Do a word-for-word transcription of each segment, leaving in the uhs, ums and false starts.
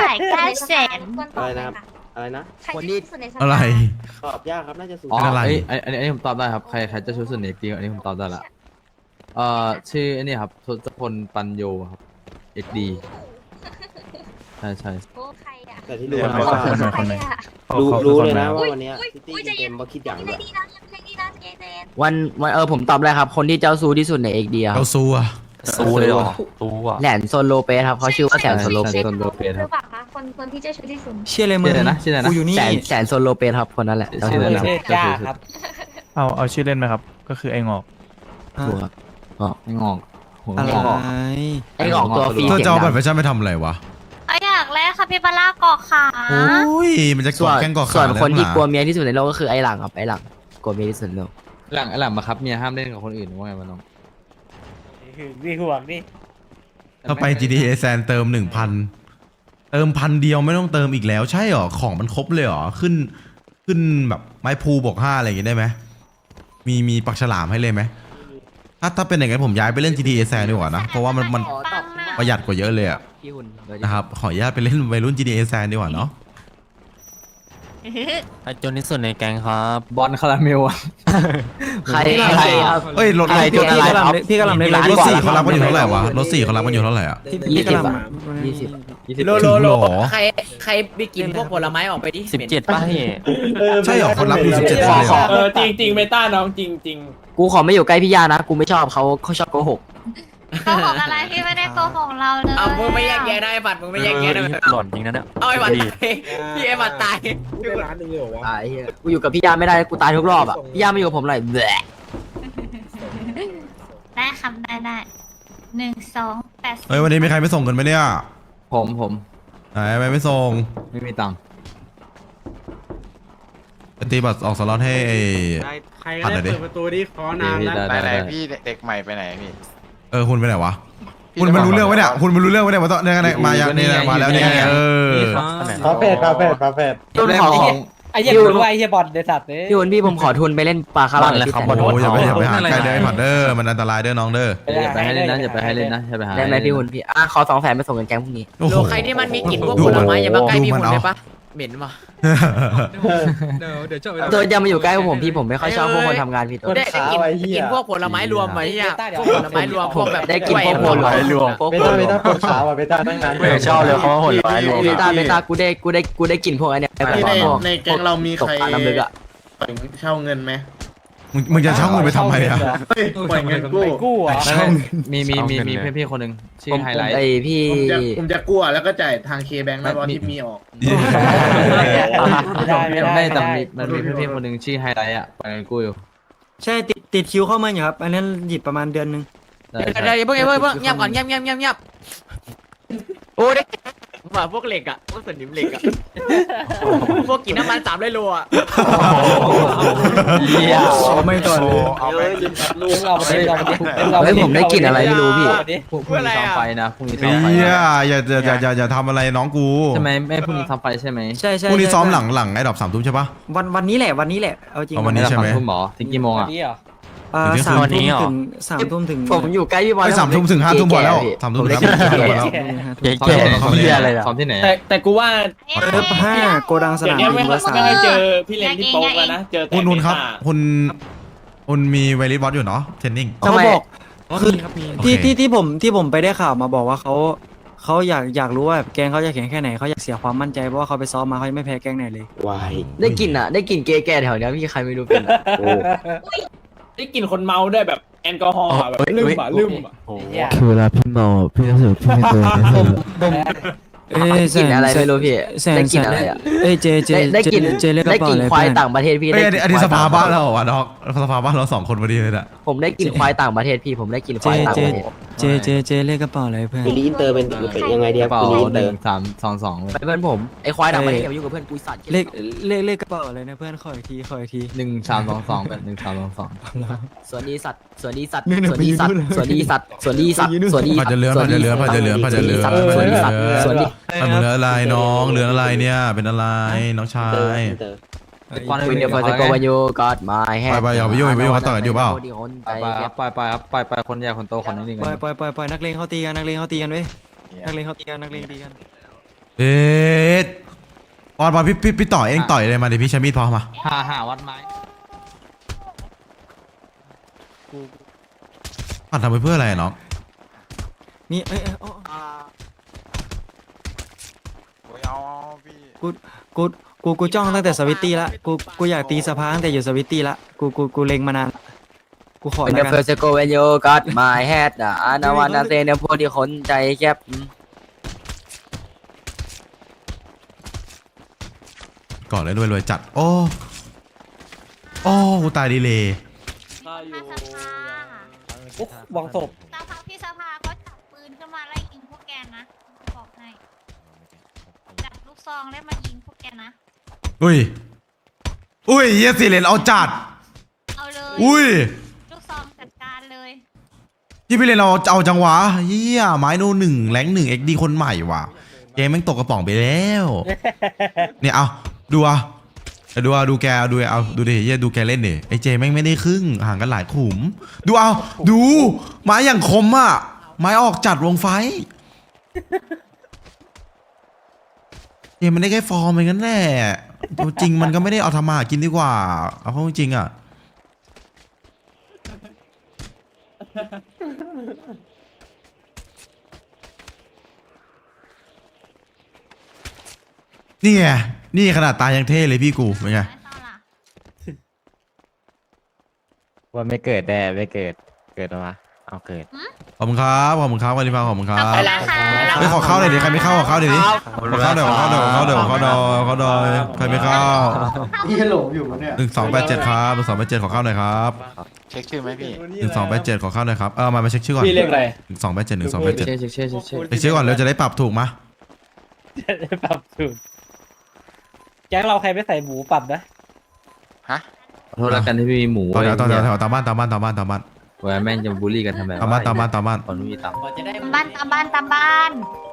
จ่ายเก้าแสนอะไรนะครับอะไรนะคนที่อะไรตอบยากครับน่าจะสูงอ๋ออะไรไอ้ไอ้อันนี้ผมตอบได้ครับใครใครจะชูสุดเนกดีอันนี้ผมตอบได้ละเอ่อชื่อไอ้นี่ครับทศพลปัญโยครับเอ็กดีใช่ใช่โอ้ใครอ่ะแต่ที่รู้ใครว่าอ่ะใครอ่ะรู้รู้เลยนะอุ้ว่าย วันเนี้ยอุ้ยซิตี้อุ้ยใจเกเย็นมเขาคิดอย่างใจแบบดีนะใจดีนะใจเย็นวันวันเออผมตอบเลยครับ คนที่เจ้าซูที่สุดในเอกเดียเราสู้อะสู้เลยเหรอสู้อ่ะแหลนโซโลเปสครับเขาชื่อว่าแสนโซโลเปสโซโลเปสหครัรืบอเปล่าคะคนคนที่เจ้าชู้ที่สุดเชื่อเลยมึชื่อง อะไรนะชื่ออะไรนะกูอยู่นี่แสนแสนโซโลเปสครับคนนั้นแหละชื่ออะไรนะเทพจ้าครับเอาเอาชื่อเล่นไหมครับ ก็คือไอ้งอกถูกครับไม่งอกหัวอะไรงอกไอ้งอกตัวฟรีเธอเสียงจะเอาบัตรดัประชาชนไปทำอะไรวะเอาอย่างแรกค่ะพี่ปลาล่าเกาะขาโอ้ยมันจะงกอส่วดนแข้งกอดส่ขาวนคนที่แล้กลัวเมียที่สุดในโลกก็คือไอ้หลังครับไอ้หลังกลัวเมียที่สุดในโลกหลังไอ้หลังมาครับเมียห้ามเล่นกับคนอื่นว่าไงวะน้องนี่ห่วงนี่ถ้าไป จี ที เอ แซนเติมหนึ่งพันเติมพันเดียวไม่ต้องเติมอีกแล้ว ใช่หรอของมันครบเลยหรอขึ้นขึ้นแบบไม้พูบอกห้าอะไรอย่างงี้ได้ไหมมีมีปักฉลามให้เลยไหมถ้าถ้าเป็นอย่างนั้นผมย้ายไปเล่น จี ที เอ แซนดีกว่านะเพราะว่ามันมันปังมากประหยัดกว่าเยอะเลยอะพี่หุ่นเดี๋ยวดินะครับขออนุญาตไปเล่นวัยรุ่น จี ที เอ แซนดีกว่าเนาะไอจนที่สุดในแก๊งครับบอลคาราเมลอะใครใครครับเอ้ยรถอะไรรถจุดอะไรพี่กำลังเล่นรถสี่เขารับกันอยู่เท่าไหร่วะรถสี่เขารับกันอยู่เท่าไหร่อ่ะยี่สิบอะยี่สิบยี่สิบโลโลโลใครใครไปกินพวกผลไม้ออกไปดิสิบเจ็ดป่ะพี่ใช่หรอคนรับอยู่สิบเจ็ดเลยเหรอเออจริงจริงเมตาน้องจริงจริงกูขอไม่อยู่ใกล้พี่ยานะกูไม่ชอบเขาเขาชอบโกหกโกหกอะไรพี่ไม่ได้โกหกเราเลยเอามึงไม่แยกแยะได้บัตรมึงไม่แยกแยะได้หล่อนจริงนะเนี่ยเอาไอ้บัตรดีตายพี่ไอ้บัตรตายตายเหี้ยกูอยู่กับพี่ยาไม่ได้กูตายทุกรอบอ่ะพี่ยาไม่อยู่กับผมเลยแหละได้คำได้ได้หนึ่งสองแปดเฮ้ยวันนี้มีใครไม่ส่งกันไหมเนี่ยผมผมไหนไม่ไม่ส่งไม่มีตังค์ไปตีบัตรออกสล็อตให้ไอ้ใครก็ได้เปิดประตูดิขอนานแล้วได้ได้ได้พี่เด็กใหม่ไปไหนพี่เออคุณไปไหนวะคุณมันรู้เรื่องไว้เนี่ยคุณมันรู้เรื่องไว้เนี่ยมาต่อเนี่ยเนี่ยมาอย่างเนี่ยมาแล้วเนี่ยเออปาเฟดปาเฟดปาเฟดพี่หุ่นขอไอ้เหี้ยรู้ว่าไอ้เหี้ยบอลเดสัตว์เนี่ยพี่หุ่นพี่ผมขอทุนไปเล่นปลาคาราเมลที่แสนโอ้ยอย่าไปอย่าไปหาใกล้เด้อผัดเด้อมันอันตรายเด้อน้องเด้ออย่าไปให้เล่นนะอย่าไปให้เล่นนะอย่าไปหาได้ไหมพี่หุ่นพี่อ่ะขอสองแสนไปส่งเงินแก๊งพรุ่งนี้โอ้โหใครที่มันมีกลิ่นพวกผลไม้อย่ามาใกล้พี่หุ่นได้ปะเหม็นว่ะเดี๋ยวเดี๋ยวจบตัวจะมาอยู่ใกล้พวกผมพี่ผมไม่ค่อยชอบพวกคนทำงานพี่ตัวได้ได้กินได้กินพวกผลไม้รวมไหมอ่ะพวกผลไม้รวมพวกแบบได้กินพวกผลไม้รวมเบต้าเบต้าปวดขาว่ะเบต้าตั้งนานไม่ชอบเลยเขาว่าหดร้ายรวมเบต้าเบต้ากูได้กูได้กูได้กินพวกอันเนี้ยแบบพวกในแก๊งเรามีใครตกปลาน้ำลึกอ่ะเช่าเงินไหมมึงมึงจะเช่าเงินไปทำไมอ่ะปล่อยเงินกู้ไปกู้อ่ะเช่ามีมีมีมีเพื่อนพี่คนหนึ่งชื่อไฮไลท์ไอพี่ผมจะผมจะกู้แล้วก็จ่ายทางเคแบงค์นะรอที่มีออกไม่แต่มีมันมีเพื่อนพี่คนหนึ่งชื่อไฮไลท์อ่ะไปกันกู้อยู่ใช่ติดติดคิวเข้ามาอยู่ครับ อันนั้นหยิบประมาณเดือนนึงใช่เดี๋ยวใช่เดี๋ยวเพิ่งเพิ่งเพิ่งเงียบก่อนเงียบเงียบเงียบเงียบโอ้ได้ว่าพวกเหล็กอ่ะพวกสนิมเหล็กอ่ะพวกกินน้ำมันสามร้อยโลอ่ะเหี้ยไม่ต่อเลยเอาไปลูกเราไปดิเราไปดิเฮ้ยผมได้กลิ่นอะไรไม่รู้พี่พรุ่งนี้ซ้อมไฟนะพรุ่งนี้ซ้อเฮีมไฟยอย่าอย่าอย่าอย่าอย่าทำอะไรน้องกูใช่ไหมไม่พรุ่งนี้ซ้อมไฟใช่ไหมใช่ใช่พรุ่งนี้ซ้อมหลังใช่หลังไอ้ดอกสามทุ่มใช่ปะวันวันนี้แหละวันนี้แหละเอาจริงเอาวันนี้ใช่ไหมทุ่มหมอถึงกี่โมงอ่ะนี่เหรออ่าถึงสามวันนี้ทุ่มเหรอถึงสามทุ่มถึงผมอยู่ใกล้พี่บอลไอ้สามทุ่มถึงห้าทุ่มพอแล้วสามทุ่มถึงห้าทุ่มพอแล้วเจ๊ซ้อมเจ๊ที่ไหนซ้อมที่เหี้ยไหนอะไรล่ะซ้อมที่ไหนแต่แต่กูว่าเอฟห้าโกดังสเดี๋ยนาว มนี้บิไม่นเบอร์สามไม่ให้เจอพี่เลนที่โป๊กแล้วนะเจอแต่คุณนุนครับเมตาคุณคุณมีไวริสบอสอยู่เนาะเทรนนิ่งเขาบอกคือโอเคที่ที่ที่ผมที่ผมไปได้ข่าวมาบอกว่าเขาเขาอยากอยากรู้ว่าแบบแกงเขาจะแข็งแค่ไหนเขาอยากเสียความมั่นใจเพราะว่าเขาไปซ้อมมาเขายังไม่แพ้แกงไหนเลยวายได้กลิ่นอ่ะได้กลิ่นเกย์แก่แถวเนี้ยพี่ใครไม่รู้เป็นโอ้ได้กลินคนเมาด้วยแบบแอลกอฮอล์อะแบบลืมอ่ะลืมอ่ะโอ้โหคือเวลาพี่เมาพี่รู้สึกพี่ไม่โดนไม่โดนเอ้ยกลิ่นอะไรไม่รู้พี่แสนได้กแสลิ่นนอะไรอ่ะเอ้ยเจเจได้ได้กลิ่นเจเรียกกได้ระเป๋ากลิ่นอะไรควายเพื่อนต่างประเทศพี่เอ้ยได้อันนี้อันนี้สภาบ้านเราเหรอวะน้องสภาบ้านเราสองคนพอดีเลยน่ะผมได้กลิ่นควายต่างประเทศพี่ผมได้กลิ่นควายต่างประเทศเจเจเจเรียกกระเป๋าอะไรเพื่อนไปรีอินเตอร์เป็นเป็นยังไงดีกครัระบเป๋าคุณรีอินหเตอนึ่ร์งสามสองสองไปเพื่อนผมไอ้ควายต่างประเทศอย่ามายุ่งกับเพื่อนกูสัตว์เลขเลขเลขกระเป๋าอะไรนะเพื่อนขออีกทีขออีกทีหนึ่งสามสองสองเป็นหนึ่งสามสองสองสวัสดีสัตว์สวัสดีสัตว์เนี่ยสวัสดีสัตว์สวัสดีสัตว์สวัสดีสัตว์สวัสดีผัดจะเลื้อนผัดจะเลื้อนผัดจะเลื้อนผัดจะเลื้อนสผัดวัสจะดีเลื้สัตว์สวัสดีมันเหลืออะไรน้องเหลืออะไรเนี่ยเป็นอะไรน้องชาอินเตอร์ยอินเตอร์ก่อนวินเดียร์ฟอร์สโกวันยูกอดมาแฮไปไปอย่าไปยุ่งอย่าไปยุ่งเขาต่อยกันอยู่เปล่าไปไปครับไปไปครับไปไปคนใหญ่คนโตคนนี้นี่ปล่กัอยนปล่อยปล่อยปล่อยนักเลงเขาตีกันนักเลงเขาตีกันเว้ยนักเลงเขาตีกันนักเลงตีกันเอ๊ะบอลบอลพี่พี่พี่ต่อยเองต่อยเลยมาเดี๋ยวพี่ใช้มีดพอมาหาหาวัดไม้ปัดทำไปเพื่ออะไรอะน้องมีเอ้ยเอ้ยโอ้กูกูกูกูจ้องตั้งแต่สวิตตี้ละกูกูอยากตีสภาตั้งแต่อยู่สวิตตี้ละกูกูกูเล็งมานานกูขอเป็นแล้วเดกันเฟอร์เซโกเวนโยกัดมาแฮดอ่ะอานาวันนาเซเนพวกที่คนใจแคบก่อนเลยรวยรวยจัด โอ้โอ้กูตายดีเลยข้าอยู่สภาอุ๊ยวางศพสภาพี่สภาเขาจับปืนขึ้นมาไล่ยิงพวกแกนะบอกให้จับลูกซองแล้วมายิงพวกแกนะอุ้ยอุ้ยเฮียสิเลนเอาจัดเอาเลยอุ้ยลูกซองจัดการเลยพี่พี่เลนเอาเอาจังหวะเฮียไม้โนหนึ่งแรงหนึ่งเอ็กดีคนใหม่ว่ะเกมแม่งตกกระป๋องไปแล้ว เนี่ยเอาดูอ่ะเอาดูอ่ะดูแกเอาดูเอาดูดิเฮียดูแกเล่นดิไอเจแม่งไม่ได้ครึ่งห่างกันหลายขุม ดูเอาดูไม้อย่างคมอ่ะไม้ออกจัดวงไฟเจมันได้แค่ฟอร์มเองนั่นแหละตัวจริงมันก็ไม่ได้เอาทำมาหากินดีกว่าเอาเข้าจริงอ่ะนี่ไงนี่ขนาดตายยังเท่เลยพี่กูเป็นไงว่าไม่เกิดแด่ไม่เกิด เกิดมาเอาเกิดขอบคุณครับขอบคุณครับวันนี้ฟังขอบคุณครับขอบคุณนะคะไม่ขอเข้าหน่อยดิใครไม่เข้าขอเข้าหน่อยดิขอเข้าเดี๋ยวขอเข้าเดี๋ยวขอเข้าเดี๋ยวขอเข้าเดี๋ยวขอเข้าเดี๋ยวใครไม่เข้าพี่หลงอยู่มั้เนี่ยหนึ่งสองแปดเจ็ดครับหนึ่งสองแปดเจ็ดขอเข้าหน่อยครับเช็คชื่อไหมพี่หนึ่งสองแปดเจ็ดขอเข้าหน่อยครับเออมามาเช็คชื่อก่อนพี่เรียกอะไรหนึ่งสองแปดเจ็ดหนึ่งสองแปดเจ็ดเช็คเช็คเช็คเช็คเช็คเช็คชื่อก่อนเราจะได้ปรับถูกมะปรับถูกแก๊งเราใครไม่ใส่หมูปรับนะขอโทษแล้วกันที่พี่มีหมูต่อแถวต่อแถวไว้แถวตามบ้านตามบ้านตามบ้านตามบ้านเวลาแม่งจะบูลลี่กันทำไมตามบ้านตามบ้านตามบ้านคนไม่มีตังค์บ้านตามบ้านตามบ้าน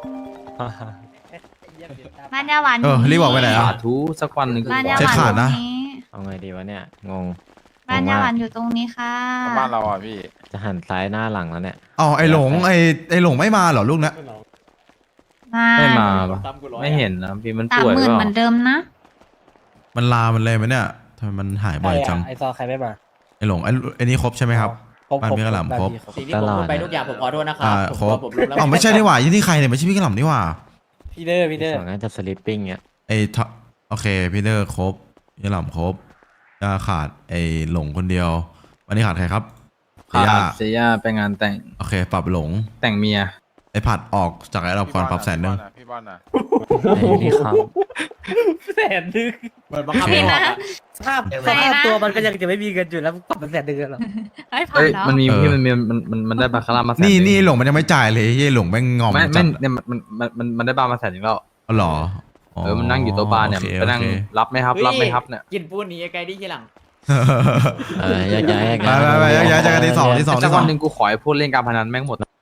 บ้านยาหวานเออรีบบอกไปไหนสาอ่ะธุสักวันหนึ่งบ้านยาหเช็วาคน ขาดนะตรงนี้เอาไงดีวะเนี่ย งงบ้านยาหวานอยู่ตรงนี้ค่ะบ้านเราอ่ะพี่ จะหันซ้ายหน้าหลังแล้วเนี่ยอ๋อไอหลงไอไอหลงไม่มาเหรอลูกนะมาไม่มาปะไม่เห็นนะพี่มันสามป่วยหมื่นเปเหมืล่าอนเดิมนะมันลามันเลยไหมเนี่ยทำไมมันหายบ่อยจังไอซอใครไม่มาไอหลงไอไอนี่ครบใช่ไหมครับครบบ้านพี่กระหล่ำครบสิ่งที่ผมพูดไปทุกอย่างผมขอโทษนะครัอ่าผมครบผมรู้แล้วอ๋อไม่ใช่นี่หว่ายี่นี่ใครเนี่ยไม่ใช่พี่กระหล่ำนี่หว่าพี่เดอร์พี่เดอร์สองน่าจะสลิปปิ้งเนี่ยไอ้ทอโอเคพี่เดอร์ครบยี่หล่ำครบจะขาดไอ้หลงคนเดียว วันนี้ขาดใครครับเสียขาดเสียไปงานแต่งโอเคปรับหลงแต่งเมียไอ้ผัดออกจากไอ้เราก่อนปรับแสนหนึ่งพี่บอลนะไอ้นี่ครับแสนนึงเหมือนบังคับไม่ออกอะสภาพสภาพตัวมันก็ยังจะไม่มีเงินอยู่แล้วปรับเป็นแสนนึงหรอไอ้ผ่าเอ้นยเนาะมันมีพี่มันมีมันมันมันได้บาคาร่ามาแสนนี่หงนี่หลงมันยังไม่จ่ายเลยเฮ้ยหลงแม่งงอมไม่จัไม่ดเนี่ยมันมันมันมันได้บาร์มาแสนหนึ่งแล้วอ๋อเหรอเออมันนั่งอยู่โต๊ะบาร์เนี่ยโอคไปนั่งโอเครับไหมครับรับไหมครับเนี่ยกินปูนหนีไกลที่ทีหลังเออแยกย้ายแยกไปย้ายไปไปย้ายๆเจอกันที่สองที่สองสัที่กสอวังนหนึ่งกูขอให้พวกเล่นการพนันแม่งหมด